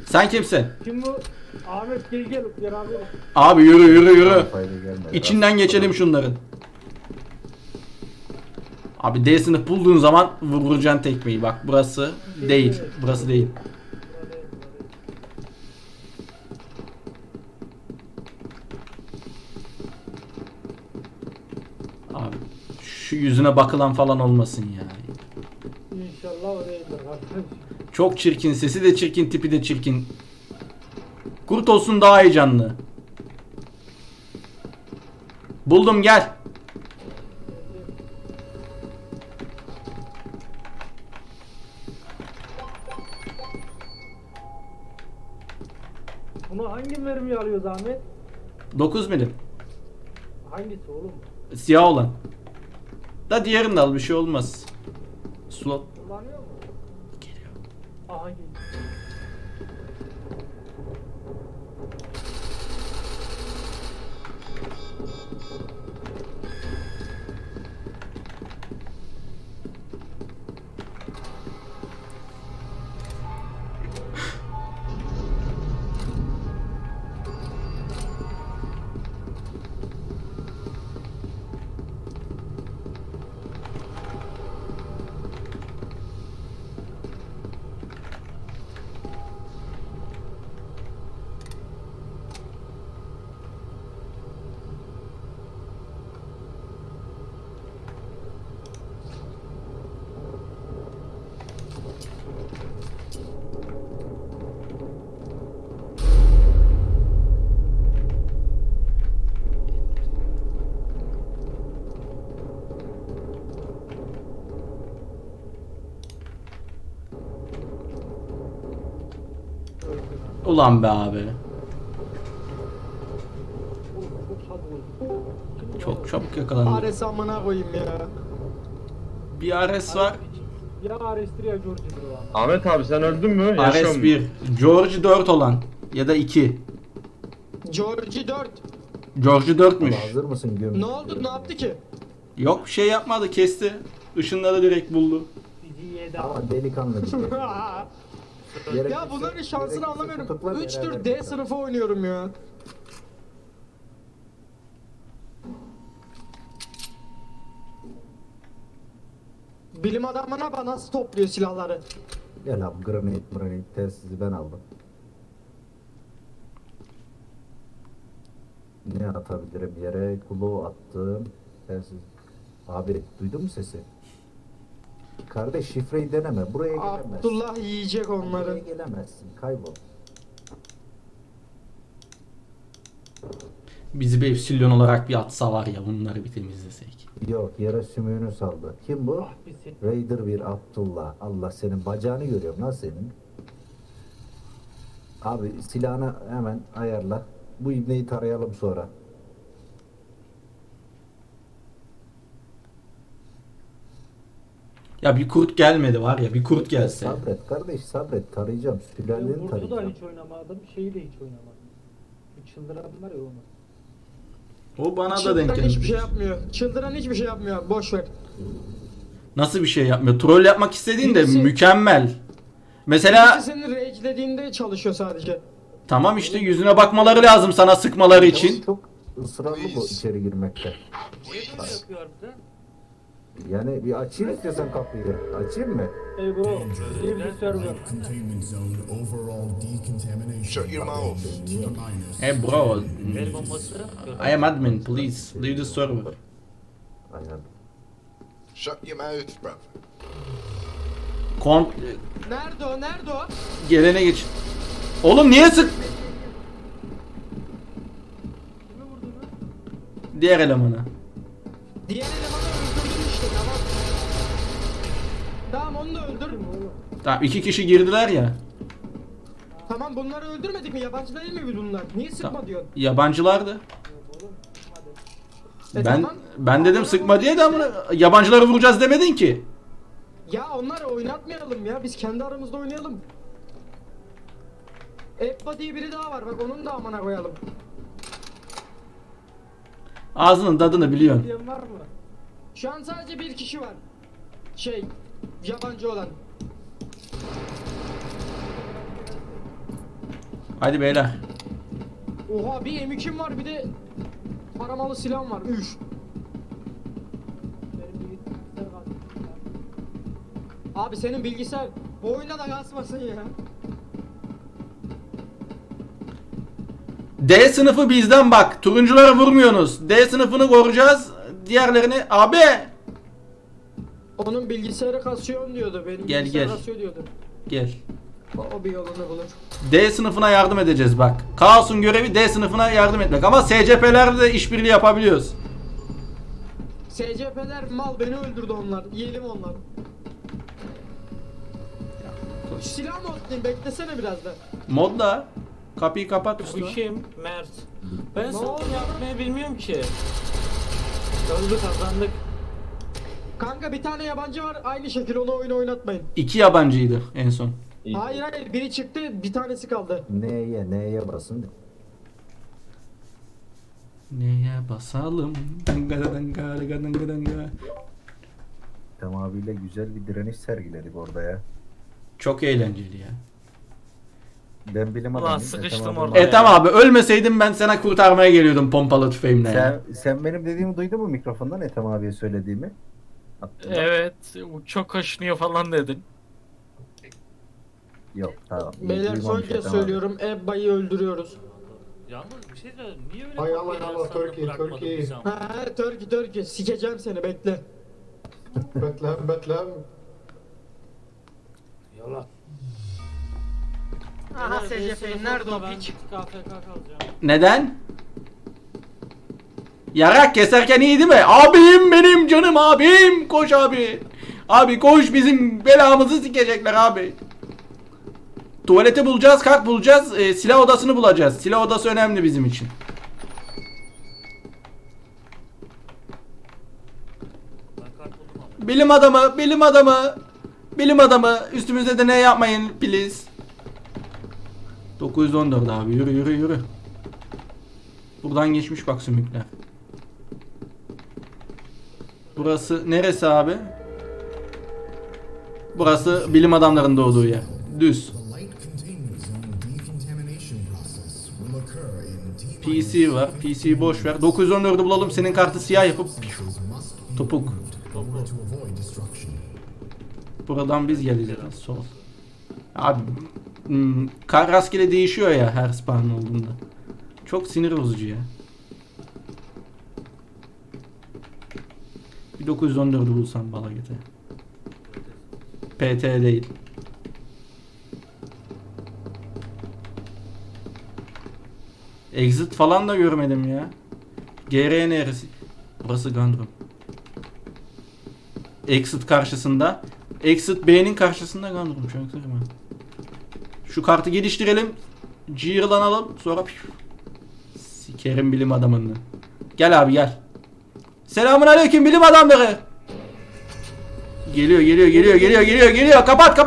Sen kimsin? Kim bu? Ahmet gel beraber. Abi yürü yürü yürü. Fayda gelmedi. İçinden geçelim şunların. Abi D sınıf bulduğun zaman vuracaksın tekmeyi. Bak burası değil. Burası değil. Abi şu yüzüne bakılan falan olmasın ya. İnşallah oraya kardeş. Çok çirkin. Sesi de çirkin. Tipi de çirkin. Kurt olsun daha heyecanlı. Buldum gel. Bunu hangi mermi alıyoruz Ahmet? 9 milim. Hangisi oğlum? Siyah olan. Da diğerini de al, bir şey olmaz. Slot. Kullanıyor mu? Geliyor. Aha geliyor. Ulan be abi. Oğlum çok çabuk oldu. Kim Çok çabuk yakalandı. Ares amına koyayım ya. Bir Ares var. Ya Ares'tir ya George'dur var. Ahmet abi sen öldün mü? Yaşıyor Ares musun? 1. George 4 olan. Ya da 2. Georgie 4. George 4'müş. Hazır mısın gömün? Ne oldu? Ne yaptı ki? Yok bir şey yapmadı, kesti. Işınları direkt buldu. Bizi yedi abi. Ama delikanlı bir şey. Ya bunların şansını anlamıyorum. 3 tür D sınıfı oynuyorum ya. Bilim adamına bana nasıl topluyor silahları? Gel abi granit telsizi ben aldım. Ne atabilirim yere? Kulu attım. Telsiz. Abi duydun mu sesi? Kardeş şifreyi deneme. Buraya gelemezsin. Abdullah yiyecek Buraya onları. gelemezsin. Kaybol. Bizi bir Epsilon olarak bir atsa var ya, bunları bir temizlesek. Yok yere sümüğünü saldı. Kim bu? Ah bir sen. Raider bir Abdullah. Allah senin bacağını görüyorum lan senin. Abi silahını hemen ayarla. Bu ibneyi tarayalım sonra. Ya bir kurt gelmedi var ya, bir kurt gelse. Sabret kardeş sabret. Tarayacağım. Ben Sülaleni Burcu da tarayacağım. hiç oynamadım. Şeyi de hiç oynamadım. Bir çıldıran var ya onu. O bana da denk Çıldıran geldi. hiçbir şey yapmıyor. Çıldıran hiçbir şey yapmıyor. Boş ver. Nasıl bir şey yapmıyor? Troll yapmak istediğin de Birisi- mükemmel. Mesela Birisi senin rage'lediğinde çalışıyor sadece. tamam işte, yüzüne bakmaları lazım sana sıkmaları için. Çok ısrarlı bu içeri girmekte. Niye böyle yapıyor harbiden? Yani bir açayım istiyorsan kapıyı. Açayım mı? Ey bro, iyi bir server. Containment zone overall decontamination. Shut your mouth. Minus. Hey bro, El bombası. I am admin, please leave the server. Aynen. Shut your mouth, bruv. Kont Nerede o? Nerede o? gelene geç. Oğlum niye sık? Diğer elemanı. Diğer elemanı öldürdün işte tamam. Tamam onu da öldür. Tamam, 2 kişi girdiler ya. Tamam bunları öldürmedik mi? Yabancı değil mi biz bunlar? Niye sıkma Tamam. diyorsun? Yabancılardı. Ben Tamam. ben dedim sıkma diye de ama yabancıları vuracağız demedin ki. Ya onları oynatmayalım ya. Biz kendi aramızda oynayalım. Ebba diye biri daha var. Bak onun da amına koyalım. Ağzının tadını biliyorsun. Diyen var mı? Şu an sadece bir kişi var. Şey, yabancı olan. Hadi beyler. Oha bir M2'm var bir de paramalı silahım var. Üf. Benim bilgisayar kaldı. Abi senin bilgisayar bu oyunda da kasmasın ya. D sınıfı bizden bak. Turuncuları vurmuyorsunuz. D sınıfını koruyacağız. Diğerlerini abi. Onun bilgisayarı kasıyor diyordu. Benim Gel, bilgisayar gel. kasıyor diyordu. Gel. O bir yolunu bulur. D sınıfına yardım edeceğiz bak. Kaos'un görevi D sınıfına yardım etmek. Ama SCP'lerle de işbirliği yapabiliyoruz. SCP'ler mal beni öldürdü onlar. Yiyelim onları. Şu silah mı atlayayım beklesene biraz da. Modla. Kapıyı kapat Bu üstüne. kim? Mert. Ben Ne sana oldu? yapmayı bilmiyorum ki. Öldü kazandık. Kanka bir tane yabancı var aynı şekil onu oyun oynatmayın. 2 yabancıydı en son. Hayır hayır biri çıktı bir tanesi kaldı. Neye basın? Neye basalım? Danga danga danga danga danga. Ethem abiyle güzel bir direniş sergiledik orada ya. Çok eğlenceli ya. Ben bilim Ulan adamıyım. sıkıştım Ethem orada. abi- Tamam abi ölmeseydim ben sana kurtarmaya geliyordum pompalı tüfeğimle ya. Sen benim dediğimi duydun mu mikrofondan Ethem abiye söylediğimi? Abdullah. Evet, bu çok kaşınıyor falan dedin. Yok tamam. Beyler son Duymamış kez Ethem abi. söylüyorum Ebba'yı öldürüyoruz. Yalnız bir şey söyleyeyim. Niye öyle Hay bir Allah, bir Allah, insanı Türkiye, bırakmadın Türkiye. bizi ama? Ha Törkü sikeceğim seni bekle. Beklem. Yalan. Aha SCP nerede o piç? KFK kalacağım. Neden? Yarak keserken iyi değil mi? Abim benim canım abim. Koş abi. Abi koş bizim belamızı sikecekler abi. Tuvaleti bulacağız, kalk bulacağız, silah odasını bulacağız. Silah odası önemli bizim için. Ben kart buldum ama. Bilim adamı, bilim adamı. Bilim adamı. Üstümüzde de ne yapmayın please. 914 abi yürü yürü yürü. Buradan geçmiş bak sümükler. Burası neresi abi? Burası bilim adamlarının doğduğu yer. Düz. The light containment zone decontamination process will occur in PC var. PC'yi boş ver. 914'ü bulalım. Senin kartı siyah yapıp substances must be topuk. in order to avoid destruction. Buradan biz geleceğiz. Sol. Abi rastgele değişiyor ya her spawn olduğunda. Çok sinir bozucu ya. Bir 914'ü bulsam bala gete. PT değil. Exit falan da görmedim ya. GR neresi? Burası Gundrum. Exit karşısında. Exit B'nin karşısında Gundrum. Çaktırma. Şu kartı geliştirelim. Cihırlanalım. Sonra sikerim bilim adamını. Gel abi gel. Selamun aleyküm bilim adamları. Geliyor. Kapat.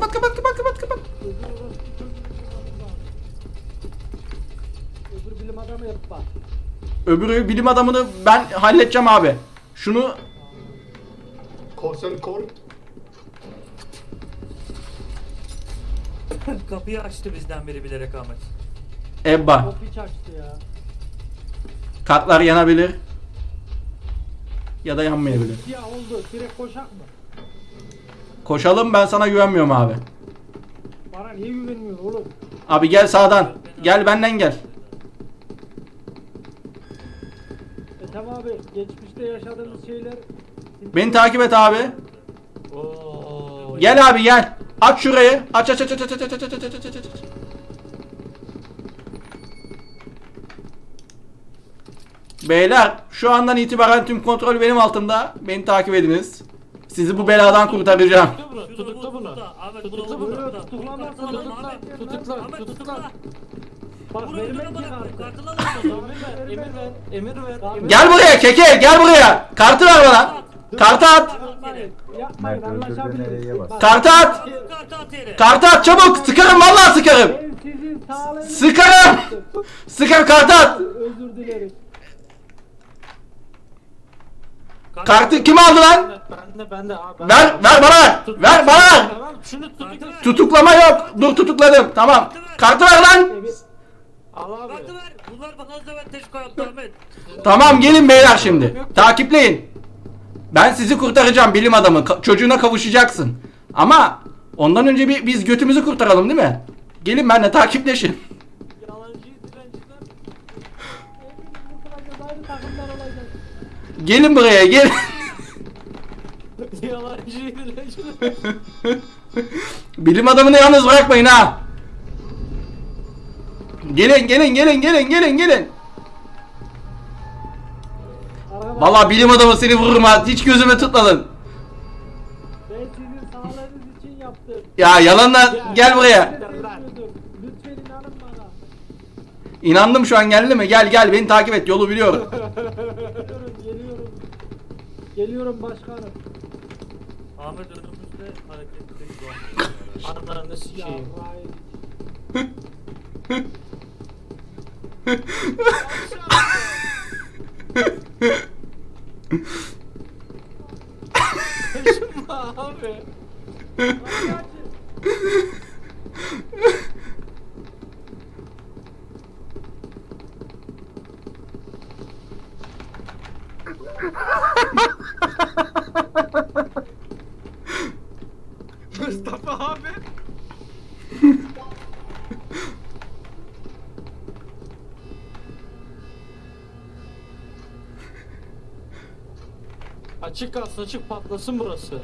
Öbür bilim adamı yap bak. Öbürü bilim adamını ben halledeceğim abi. Şunu Korsan kor. Kapıyı açtı bizden biri bilerek Ahmet. Ebba. Top hiç açtı ya. Kartlar yanabilir. Ya da yanmayabilir. Ya oldu. Direkt koşak mı? Koşalım ben sana güvenmiyorum abi. Bana niye güvenmiyorsun oğlum? Abi gel sağdan. Gel benden gel. Tamam abi. Geçmişte yaşadığımız şeyler... Beni takip et abi. Oo. Gel abi gel. Aç şurayı. Aç. Beyler şu andan itibaren tüm kontrol benim altımda. Beni takip ediniz. Sizi bu beladan kurtaracağım. Tutukla bunu. Ahmet Tutukla bunu. bunu. Tutuklamazsan Tutukla. Ahmet tutukla. Bak Vur vermek öldürme ki bana. kartı. Kartını alalım. Emir ver. Gel buraya keke gel buraya. Kartı ver bana. Kartı at. Yapmayın Mert öldürdü nereye anlaşabiliriz. bas. Bak, Kartı at. Kartı at yere. Kartı at çabuk. Sıkarım vallahi sıkarım. ben sizin sağlığınızı... Sıkarım. Sıkar kartı at. Özür dilerim. Kartı kim aldı lan? Ben de abi. Ver bana ver. Ver bana ver. Tamam şunu tutukla. Tutuklama yok. Dur tutukladım. Tamam. Kartı ver. Kartı ver lan. Emir, Al abi. Kartı ver. Bunlar bana dezavantaj koyup Ahmet. Tamam gelin beyler şimdi. Takipleyin. Ben sizi kurtaracağım bilim adamı. Çocuğuna kavuşacaksın. Ama ondan önce biz götümüzü kurtaralım değil mi? Gelin benimle takipleşin. Yalancı dilenciler. Emir kurtulacağız, aynı takımdan olacağız. Gelin buraya gelin. Yalancı dilenciler. Bilim adamını yalnız bırakmayın ha. Gelin gelin gelin gelin gelin gelin. Arkadaşlar, Vallahi bilim adamı seni vururum ha. Hiç gözüme tutmadın. ben sizin sağlığınız için yaptım. Ya yalanla gel buraya. Sevmiyordum. Lütfen inanın bana. İnandım şu an geldi mi? Gel gel beni takip et yolu biliyorum. Geliyorum. Geliyorum başkanım. Ahmet önümüzde hareketli şu an. Anlarını Ya sikeyim. Ryan. Abi. Mustafa abi. Açık kalsın, açık patlasın burası.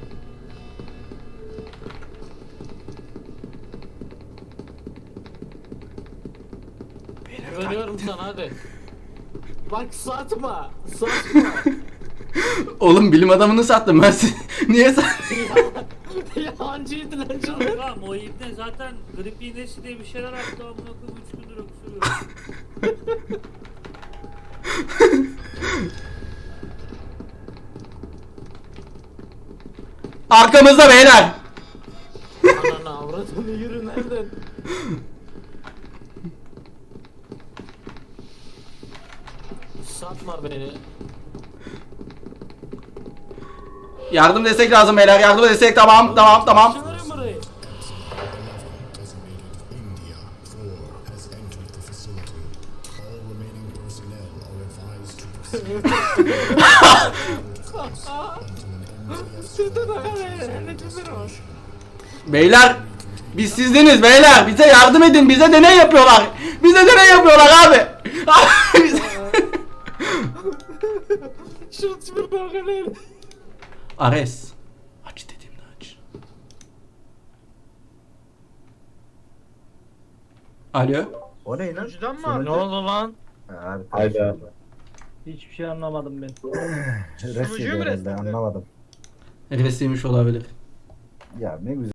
Güveniyorum sana hadi. Bak satma. Satma. Oğlum bilim adamını sattım ben sizi. Niye sattın? Yalancı dilenciler. Tamam o ibne zaten grip iğnesi diye bir şeyler attı amına koyayım 3 gündür öksürüyor. Arkamızda beyler. Ananı avradını yürü nereden? Satma beni. Yardım destek lazım beyler. Yardım destek tamam tamam tamam. Açılırım burayı. India 4 has entered the facility. All remaining personnel are advised to proceed until an MTF Beyler biz sizdeniz beyler. Bize yardım edin. Bize deney yapıyorlar. Bize deney yapıyorlar abi. Şu tipi bakın. Ares. Aç dediğimde aç. Alo. O ne lan? Önceden mi Ne vardı? oldu lan? Abi, Hayda. Hiçbir şey anlamadım ben. Resim Sunucuyu mu herhalde resmedin? anlamadım. Resiymiş olabilir. Ya ne güzel.